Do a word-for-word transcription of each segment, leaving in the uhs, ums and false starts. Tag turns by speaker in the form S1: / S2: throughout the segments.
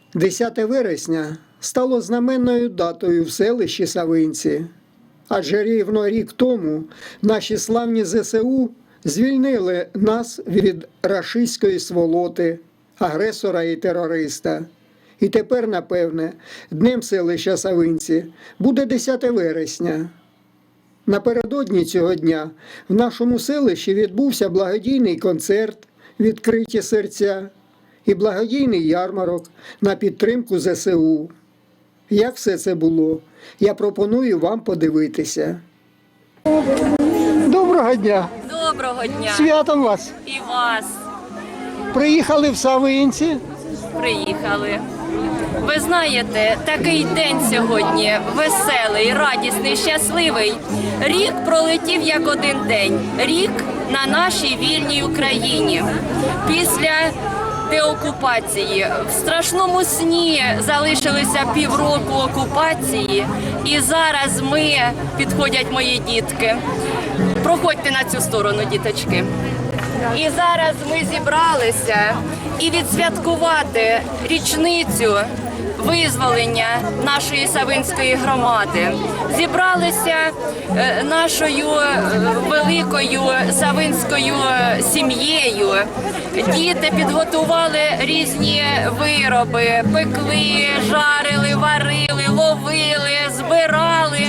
S1: десяте вересня стало знаменною датою в селищі Савинці, адже рівно рік тому наші славні зе се у звільнили нас від рашистської сволоти, агресора і терориста. І тепер, напевне, днем селища Савинці буде десяте вересня. Напередодні цього дня в нашому селищі відбувся благодійний концерт «Відкриті серця» і благодійний ярмарок на підтримку зе се у. Як все це було, я пропоную вам подивитися. Доброго дня!
S2: Доброго дня!
S1: Святом вас!
S2: І вас!
S1: Приїхали в Савинці?
S2: Приїхали. Ви знаєте, такий день сьогодні веселий, радісний, щасливий. Рік пролетів як один день. Рік на нашій вільній Україні. Після деокупації. В страшному сні залишилися півроку окупації. І зараз ми, підходять мої дітки. Проходьте на цю сторону, діточки. І зараз ми зібралися і відсвяткувати річницю визволення нашої Савинської громади. Зібралися нашою великою савинською сім'єю. Діти підготували різні вироби, пекли, жарили, варили, ловили, збирали.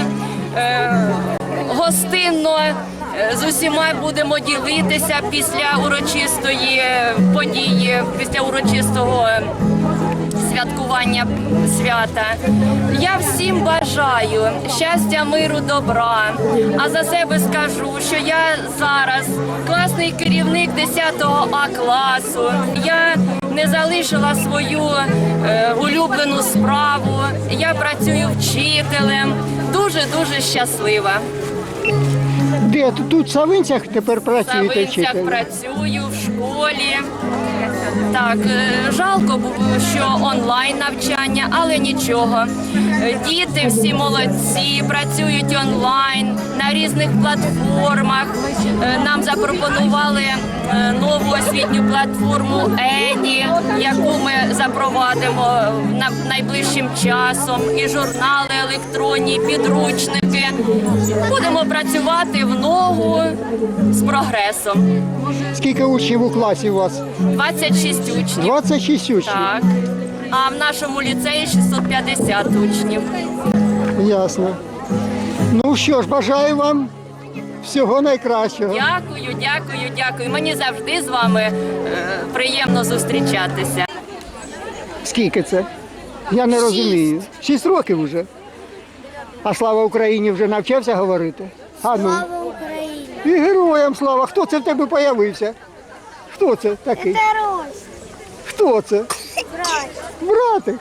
S2: Гостинно з усіма будемо ділитися після урочистої події, після урочистого святкування свята. Я всім бажаю щастя, миру, добра. А за себе скажу, що я зараз класний керівник десятого А класу. Я не залишила свою е, улюблену справу. Я працюю вчителем. Дуже-дуже щаслива.
S1: Де? Тут в Савинцях тепер працюєте?
S2: В Савинцях
S1: вчителем?
S2: працюю в школі. Так, жалко було, що онлайн навчання, але нічого. Діти всі молодці, працюють онлайн на різних платформах. Нам запропонували нову освітню платформу Еді, яку ми запровадимо найближчим часом. І журнали електронні, і підручники. Будемо працювати в ногу з прогресом.
S1: Скільки учнів у класі у вас?
S2: двадцять шість учнів.
S1: двадцять шість учнів?
S2: Так. А в нашому ліцеї шістсот п'ятдесят учнів.
S1: Ясно. Ну що ж, бажаю вам всього найкращого.
S2: Дякую, дякую, дякую. Мені завжди з вами е, приємно зустрічатися.
S1: Скільки це? Я не
S2: Шість.
S1: розумію. Шість років вже. А слава Україні вже навчався говорити? А ну.
S3: Слава Україні!
S1: І героям слава. Хто це в тебе появився? Хто це такий?
S3: Тарось!
S1: Хто це?
S3: Брат!
S1: Братик.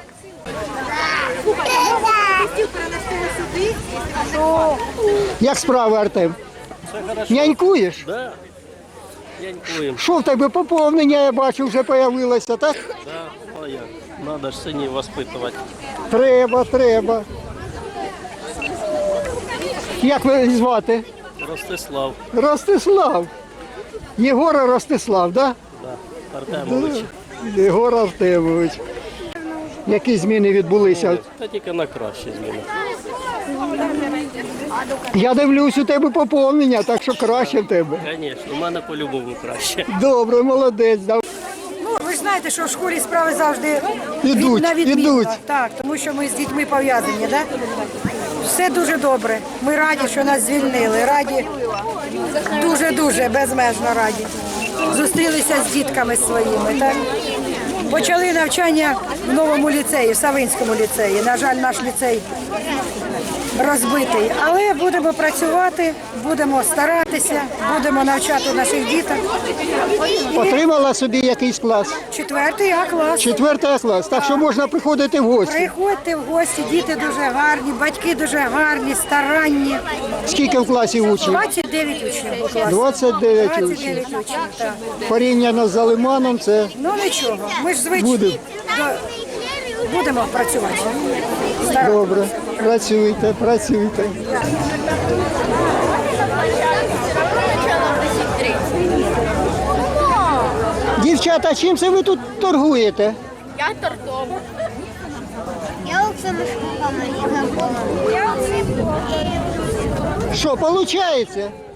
S1: Як справи, Артем? Нянькуєш?
S4: Да, нянькуємо.
S1: Що в тебе поповнення, я бачу, вже появилося, так?
S4: Да, а як? Надо ж синів воспитувати.
S1: Треба, треба. Як ви звати?
S4: Ростислав,
S1: Ростислав. Єгора Ростислав, так?
S4: да, Артемович.
S1: Да? Єгор Артемович. Які зміни відбулися?
S4: Та тільки на краще зміни.
S1: Я дивлюсь, у тебе поповнення, так що краще в тебе.
S4: Звісно, у мене по-любому краще.
S1: Добре, молодець. Да.
S5: Ну, ви ж знаєте, що в школі справи завжди
S1: Ідуть,
S5: від- на відмінно.
S1: ідуть.
S5: Так, тому що ми з дітьми пов'язані, да? Все дуже добре. Ми раді, що нас звільнили. Раді, дуже-дуже безмежно раді. Зустрілися з дітками своїми, так? Почали навчання в новому ліцеї, в Савинському ліцеї. На жаль, наш ліцей розбитий. Але будемо працювати, будемо старатися, будемо навчати наших діток.
S1: Отримала собі якийсь клас.
S5: Четвертий А клас.
S1: Четвертий клас, так що можна приходити в гості.
S5: Приходьте в гості, діти дуже гарні, батьки дуже гарні, старанні.
S1: Скільки в класі учнів?
S5: двадцять дев'ять учнів у класі.
S1: двадцять дев'ять
S5: двадцять
S1: учнів.
S5: дев'ять учнів, так.
S1: Порівняно з Залиманом це
S5: Ну нічого, ми ж звичні.
S1: Будемо.
S5: До- Будемо працювати. Старатися.
S1: добре. Працюйте, працюйте. Дівчата, чим це ви тут торгуєте?
S6: Я тортом.
S3: Я Оксана Шкула, Марія Гапова. Я
S1: Що, виходить?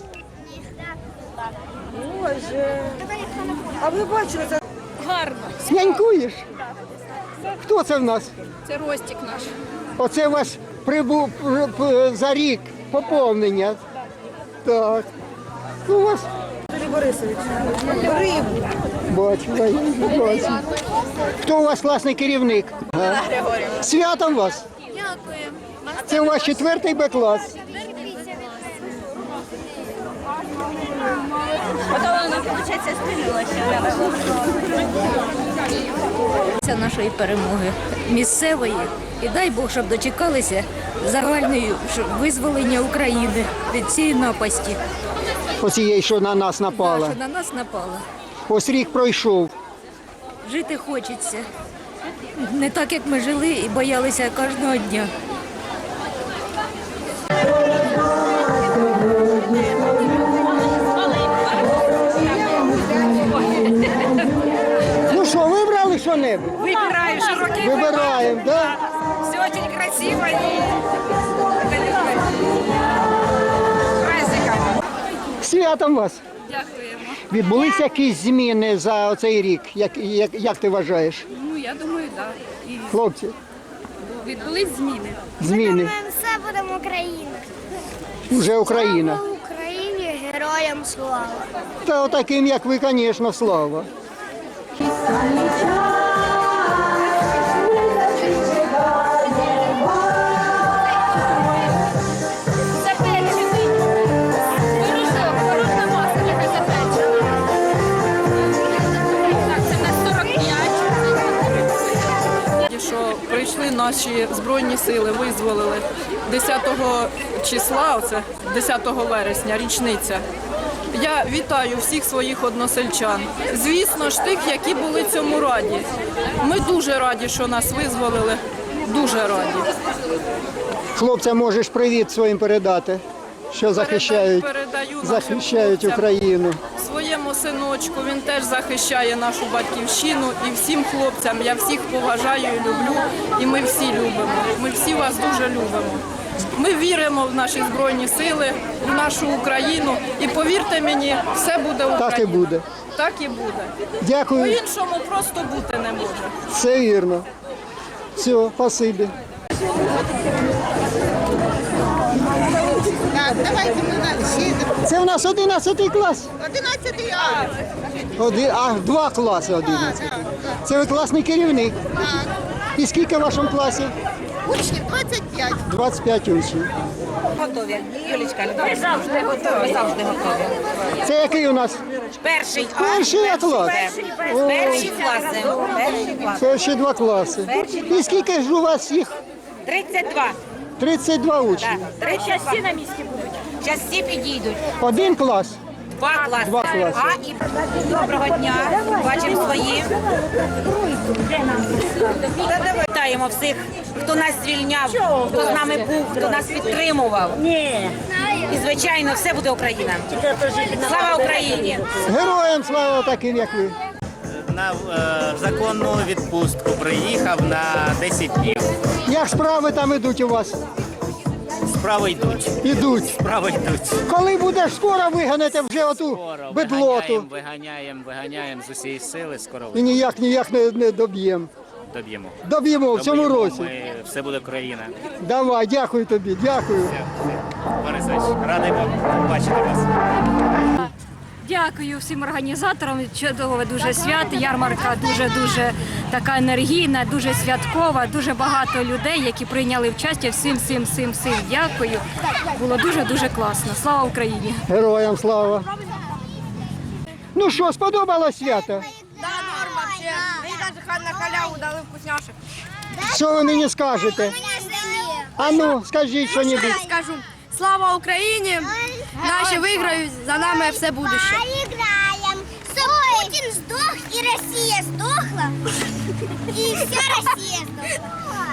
S5: Боже. А ви бачили це?
S1: Снянькуєш? Хто це в нас?
S6: Це Ростік наш.
S1: Оце у вас прибув п- п- за рік поповнення. Так. Ну, у вас
S5: Юрій Борисович. Рибу.
S1: бачу, я бачу. Хто у вас класний керівник? Ага. Святом вас?
S3: Дякую.
S1: Це у вас четвертий Б клас.
S7: Це нашої перемоги місцевої. І дай Бог, щоб дочекалися загальної щоб визволення України від цієї напасті,
S1: Оцієї, що на нас напала.
S7: що на нас напала.
S1: Ось рік пройшов.
S7: Жити хочеться. Не так, як ми жили і боялися кожного дня.
S1: Ну що, вибрали що-небудь?
S5: Вибираю широкий
S1: Вибираємо, так? Да?
S5: Все очень красиво и праздником.
S1: Святом вас.
S6: Дякуємо.
S1: Відбулися якісь зміни за цей рік? Як, як, як ти вважаєш?
S6: Ну, я думаю, так. І
S1: Хлопці,
S6: відбулись зміни.
S1: зміни.
S3: Все будемо Україна.
S1: Вже Україна.
S3: Слава Україні, героям слава.
S1: Та отаким, як ви, звісно, слава.
S6: Запечений. Пирожок, пирожна маса така запечена. Так, це на сорок п'ять.
S8: Що прийшли наші Збройні сили, визволили десятого числа, оце десятого вересня, річниця. Я вітаю всіх своїх односельчан. Звісно ж, тих, які були цьому раді. Ми дуже раді, що нас визволили. Дуже раді.
S1: Хлопцям можеш привіт своїм передати, що захищають,
S8: передаю нашим
S1: захищають
S8: хлопцям.
S1: Україну.
S8: Своєму синочку, він теж захищає нашу батьківщину, і всім хлопцям я всіх поважаю і люблю, і ми всі любимо. Ми всі вас дуже любимо. Ми віримо в наші Збройні сили, в нашу Україну, і повірте мені, все буде Україна.
S1: Так і буде.
S8: Так і буде.
S1: Дякую,
S8: По-іншому просто бути не може.
S1: все вірно. Все, спасибі. Це у нас одинадцятий клас.
S9: одинадцятий А.
S1: Один, а, два класи одинадцятий. Це ви класний керівник. І скільки в вашому класі?
S9: Учнів двадцять п'ять.
S1: двадцять п'ять учнів.
S5: Готові. Юлічка, ми завжди готові. Завжди готові.
S1: Це який у нас?
S5: Перший
S1: Перший клас. О,
S5: Перші класи. Перші класи.
S1: перші два класи. І скільки ж у вас їх?
S5: тридцять два.
S1: тридцять два учні.
S5: тридцять всі на місці будуть. Зараз всі підійдуть.
S1: Один клас.
S5: Два класи.
S1: Два класи.
S5: А і доброго дня. Бачимо свої. Вітаємо всіх, хто нас звільняв, хто з нами був, хто нас підтримував. І, звичайно, все буде Україна. Слава Україні!
S1: Героям слава таким, як ви.
S10: На е, законну відпустку приїхав на десять днів.
S1: Як справи там ідуть у вас?
S10: Справи йдуть.
S1: Ідуть.
S10: Справи йдуть.
S1: Коли будеш скоро виганете вже оту
S10: Скоро
S1: бедлоту.
S10: виганяємо, виганяємо, виганяємо з усієї сили, скоро
S1: І ніяк ніяк не, не доб'ємо.
S10: доб'ємо.
S1: Доб'ємо в цьому
S10: Доб'ємо,
S1: році.
S10: Ми, все буде Україна.
S1: Давай, дякую тобі, дякую.
S10: Борисович, радий бачити вас.
S7: Дякую всім організаторам. Чудове дуже свято. Ярмарка дуже-дуже така енергійна, дуже святкова, дуже багато людей, які прийняли участь. Всім, всім, всім, всім дякую. Було дуже-дуже класно. Слава Україні!
S1: Героям слава. Ну що, сподобалось свято?
S6: Да, норм вообще. Мені навіть на халяву дали вкусняшек.
S1: Що ви мені скажете? А ну, скажіть що-небудь.
S6: Я скажу. Слава Україні! Наші виграють, за нами все будуще.
S3: Поиграем. Путин сдох, и Россия сдохла, и вся Россия сдохла.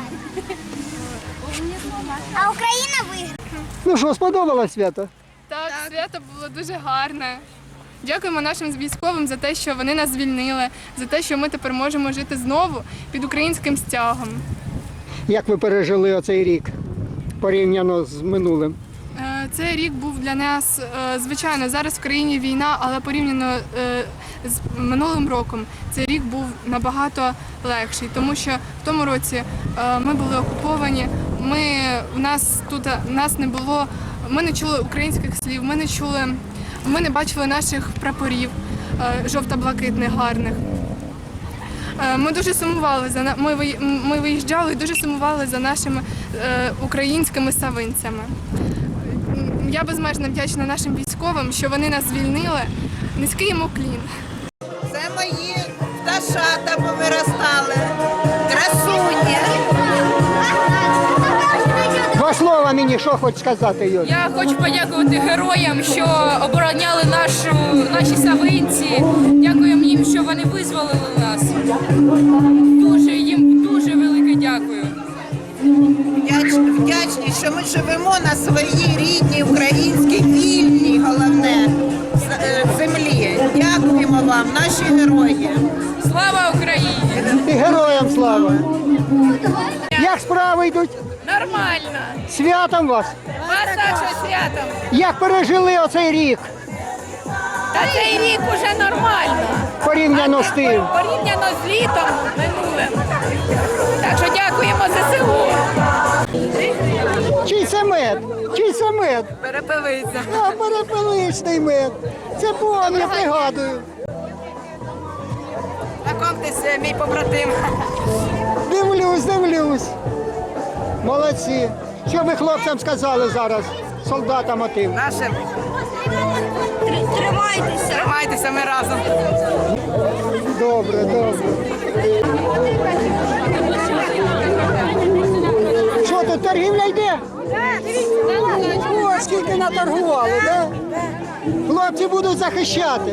S3: А Украина выиграла.
S1: Ну що, сподобалось свято?
S6: Так, свято було дуже гарне. Дякуємо нашим військовим за те, що вони нас звільнили, за те, що ми тепер можемо жити знову під українським стягом.
S1: Як ви пережили оцей рік порівняно з минулим?
S6: Е, Цей рік був для нас, е, звичайно, зараз в країні війна, але порівняно е, з минулим роком цей рік був набагато легший, тому що в тому році е, ми були окуповані, ми, в нас тут в нас не було, ми не чули українських слів, ми не чули, ми не бачили наших прапорів е, жовто-блакитних гарних. Е, Ми дуже сумували за на- ми, виї- ми виїжджали і дуже сумували за нашими е, українськими савинцями. Я безмежно вдячна нашим військовим, що вони нас звільнили. Низький йому уклін.
S9: Це мої пташата повиростали. Красуні.
S1: Два слова мені, що хоч сказати, Юль?
S7: Я хочу подякувати героям, що обороняли нашу, наші савинці. Дякуємо їм, що вони визволили нас. Дуже їм дуже велике дякую.
S9: Вдяч- Вдячні, що ми живемо на своїй рідній українській вільній, головне, з- е, землі. Дякуємо вам, наші герої.
S7: Слава Україні!
S1: І героям слава! Як справи йдуть?
S7: Нормально!
S1: Святом вас!
S7: Вас також святом!
S1: Як пережили оцей рік
S7: Та цей рік уже нормально.
S1: порівняно з тим?
S7: Порівняно з літом минулим. Так що дякуємо ЗСУ.
S1: Чий це мед? Чий це мед?
S8: Перепилися.
S1: А, перепеличний мед. Це бом, я пригадую.
S8: Знайомтеся, мій побратим.
S1: Дивлюсь, дивлюсь. Молодці. Що ви хлопцям сказали зараз, солдатам отим?
S8: Нашим.
S3: Тримайтеся.
S8: Тримайтеся, ми разом.
S1: Добре, добре. Що тут, торгівля йде? О, скільки наторгували, так? Хлопці будуть захищати.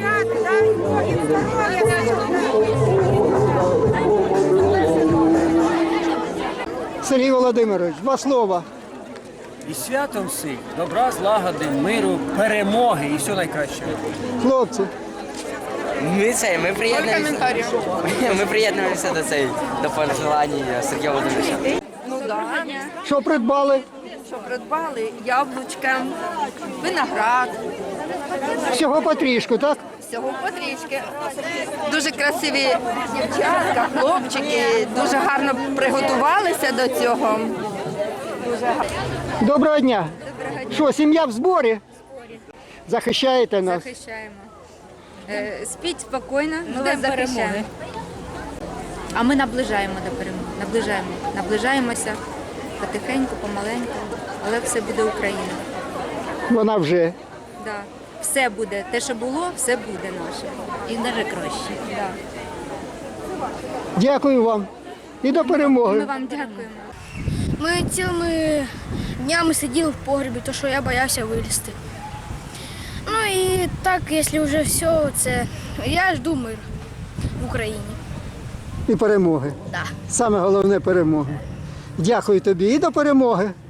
S1: Сергій Володимирович, два слова.
S11: І святом всіх, добра, злагоди, миру, перемоги і все найкраще.
S1: Хлопці,
S12: Ми це, ми приєднуємося. Ми приєднуємося до цей до пожелань Сергія Володимировича.
S5: Ну так.
S1: що придбали?
S5: Що придбали? Яблучка, виноград,
S1: Всього потрішку, так?
S5: всього потрішки. Дуже красиві дівчатка, хлопчики, дуже гарно приготувалися до цього. Дуже гарно.
S1: Доброго дня. Що, сім'я в зборі? Захищаєте нас?
S7: Захищаємо. Е, Спіть спокійно, ми вас захищаємо. А ми наближаємо до перемоги. Наближаємо. Наближаємося потихеньку, помаленьку, але все буде Україна.
S1: Вона вже.
S7: Да. Все буде. Те, що було, все буде наше. І навіть краще. Да.
S1: Дякую вам. І до перемоги.
S7: Ми вам дякуємо.
S3: Ми цілими днями сиділи в погребі, тому що я боявся вилізти. Ну і так, якщо вже все, це я жду мир в Україні.
S1: І перемоги.
S3: Да.
S1: Саме головне перемоги. Дякую тобі і до перемоги.